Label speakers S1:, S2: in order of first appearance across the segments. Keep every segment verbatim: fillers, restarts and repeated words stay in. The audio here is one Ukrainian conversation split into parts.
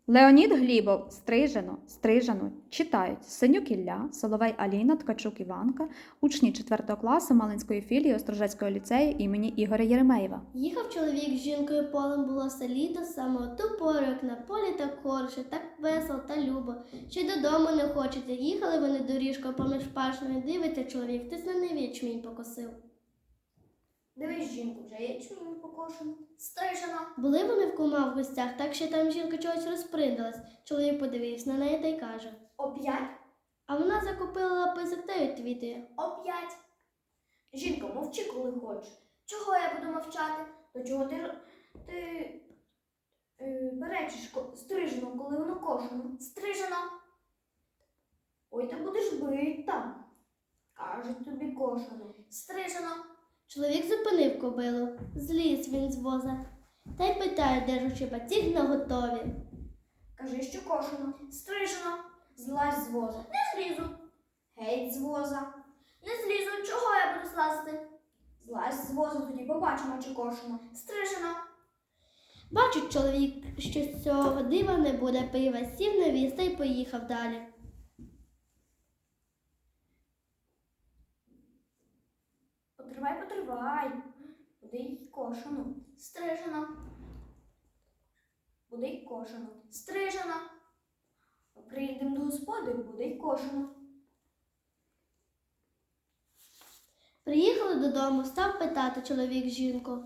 S1: Леонід Глібов «Стрижено», «Стрижано» читають Синюк Ілля, Соловей Аліна, Ткачук Іванка, учні четвертого класу Малинської філії Острожецького ліцею імені Ігоря Єремеєва.
S2: Їхав чоловік з жінкою полем, було все літо, самого ту пору, як на полі так хороше, так весело та любо, що й додому не хочеться. Їхали вони доріжкою поміж пашнями, дивиться чоловік, хтось на ниві ячмінь покосив.
S3: Дивись, жінку, вже ячмінь покошено, стрижено.
S2: Були вони в кума в гостях, так що там жінка чогось розприндалась. Чоловік подивився на неї та й каже:
S3: Оп'ять?
S2: а вона закупила лаписок та й відвідує.
S3: Оп'ять. Жінко, мовчи, коли хочеш. Чого я буду мовчати? До чого ти, р- ти е, перечиш ко- стрижено, коли воно кошено? Стрижено. Ой, ти будеш бита. Кажуть тобі кошено. Стрижено.
S2: Чоловік зупинив кобилу, зліз він з воза, та й питає, держучи батіг наготові.
S3: Кажи, що кошено. Стрижено. Злазь з воза. Не злізу. Геть з воза. Не злізу. Чого я буду злазити? Злазь з воза, тоді побачимо, чи кошено. Стрижено.
S2: Бачить чоловік, що з цього дива не буде пива, сів на віз та й поїхав далі.
S3: Потривай, потривай. Буде й кошено. Стрижено. Буде й кошено. Стрижено. Приїдемо до господи, буде й кошено.
S2: Приїхали додому, став питати чоловік жінку.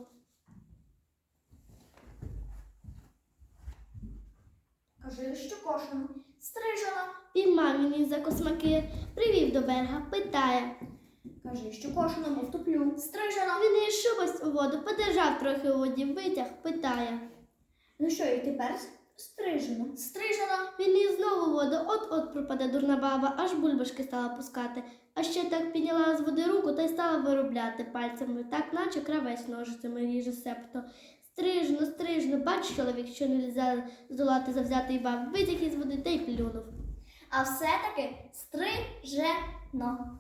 S3: Кажи, що кошено. Стрижено.
S2: Піймав він їх за космаки, привів до берега, питає.
S3: Кажи, що кошено, мов топлю. Стрижено.
S2: Він її шубость у воду, подержав трохи у воді, витяг, питає.
S3: Ну що, і тепер стрижено. Стрижено.
S2: Він її знову у воду, от-от пропаде дурна баба, аж бульбашки стала пускати. А ще так підняла з води руку та й стала виробляти пальцями, так наче кравець ножицями ріже септо. Стрижно, стрижно, бач, чоловік, що не лізе здолати завзятий баб, витяг із води та й плюнув.
S3: А все-таки стрижено.